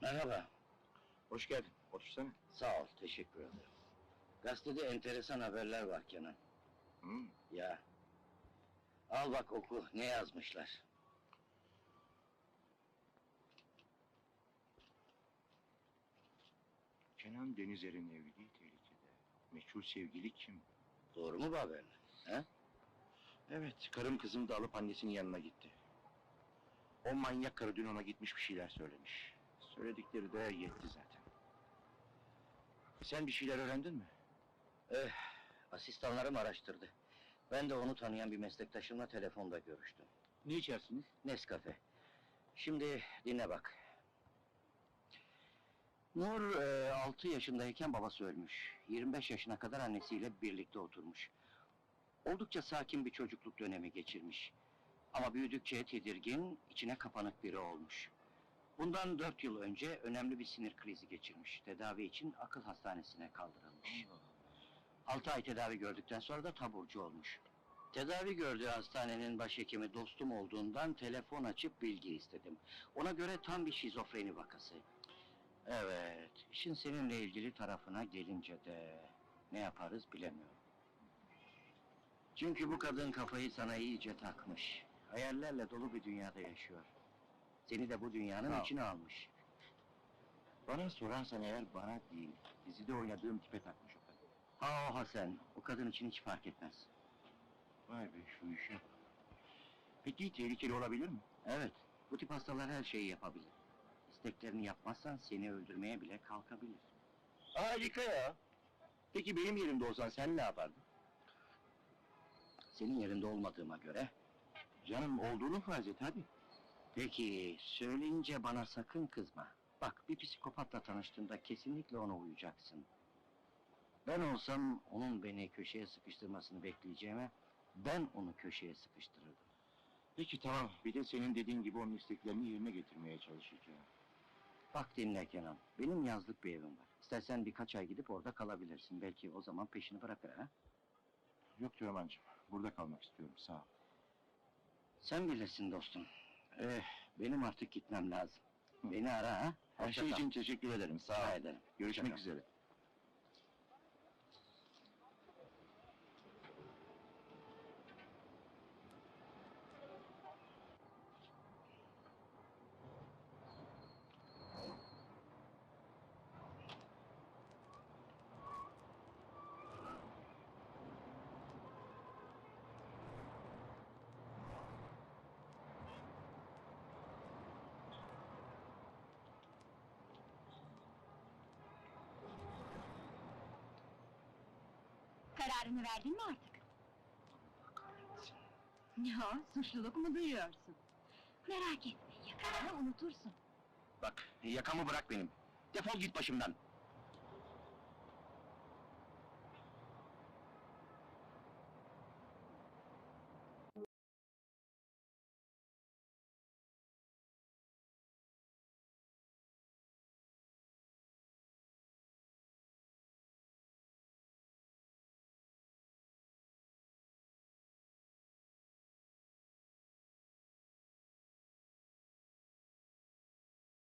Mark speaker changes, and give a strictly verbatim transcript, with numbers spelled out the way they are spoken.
Speaker 1: Merhaba.
Speaker 2: Hoş geldin, otursana.
Speaker 1: Sağ ol, teşekkür ederim. Gazetede enteresan haberler var Kenan.
Speaker 2: Hı?
Speaker 1: Ya. Al bak oku, ne yazmışlar.
Speaker 2: Kenan Denizer'in evliliği tehlikede. Meçhul sevgili kim?
Speaker 1: Doğru mu bu haberler? He?
Speaker 2: Evet, karım kızımı da alıp annesinin yanına gitti. O manyak karı dün ona gitmiş bir şeyler söylemiş. Söyledikleri de yetti zaten. Sen bir şeyler öğrendin mi?
Speaker 1: Eh, asistanlarım araştırdı. Ben de onu tanıyan bir meslektaşımla telefonda görüştüm.
Speaker 2: Ne içersiniz?
Speaker 1: Nescafe. Şimdi dinle bak. Nur e, altı yaşındayken babası ölmüş. yirmi beş yaşına kadar annesiyle birlikte oturmuş. Oldukça sakin bir çocukluk dönemi geçirmiş. Ama büyüdükçe tedirgin, içine kapanık biri olmuş. Bundan dört yıl önce önemli bir sinir krizi geçirmiş. Tedavi için akıl hastanesine kaldırılmış. Altı ay tedavi gördükten sonra da taburcu olmuş. Tedavi gördüğü hastanenin başhekimi dostum olduğundan telefon açıp bilgi istedim. Ona göre tam bir şizofreni vakası. Evet, işin seninle ilgili tarafına gelince de ne yaparız bilemiyorum. Çünkü bu kadın kafayı sana iyice takmış. Hayallerle dolu bir dünyada yaşıyor. Seni de bu dünyanın
Speaker 2: Sağ ol.
Speaker 1: içine almış.
Speaker 2: Bana sorarsan eğer bana değil, dizide oynadığım tipe takmış o kadın.
Speaker 1: Ha oha sen, o kadın için hiç fark etmez.
Speaker 2: Vay be şu işe bak. Peki tehlikeli olabilir mi?
Speaker 1: Evet, bu tip hastalar her şeyi yapabilir. İsteklerini yapmazsan seni öldürmeye bile kalkabilir.
Speaker 2: Harika ya! Peki benim yerimde olsan sen ne yapardın?
Speaker 1: Senin yerinde olmadığıma göre...
Speaker 2: Canım olduğunu farz et hadi.
Speaker 1: Peki, söyleyince bana sakın kızma. Bak, bir psikopatla tanıştığında kesinlikle ona uyacaksın. Ben olsam, onun beni köşeye sıkıştırmasını bekleyeceğime... ...ben onu köşeye sıkıştırırdım.
Speaker 2: Peki tamam, bir de senin dediğin gibi onun isteklerini yerine getirmeye çalışacağım.
Speaker 1: Bak dinle Kenan, benim yazlık bir evim var. İstersen birkaç ay gidip orada kalabilirsin. Belki o zaman peşini bırakır ha?
Speaker 2: Yok Teoman'cığım, burada kalmak istiyorum, sağ ol.
Speaker 1: Sen bilirsin dostum. Eh, benim artık gitmem lazım.
Speaker 2: Hı.
Speaker 1: Beni ara ha?
Speaker 2: Her
Speaker 1: Hoşça
Speaker 2: şey
Speaker 1: kal.
Speaker 2: için teşekkür ederim, sağ
Speaker 1: Rica
Speaker 2: ol.
Speaker 1: ederim.
Speaker 2: Görüşmek
Speaker 1: Hoşça kal.
Speaker 2: üzere.
Speaker 3: Kararını verdin mi artık? Ne o, suçluluk mu duyuyorsun? Merak etme, yakında unutursun.
Speaker 2: Bak, yakamı bırak benim. Defol git başımdan.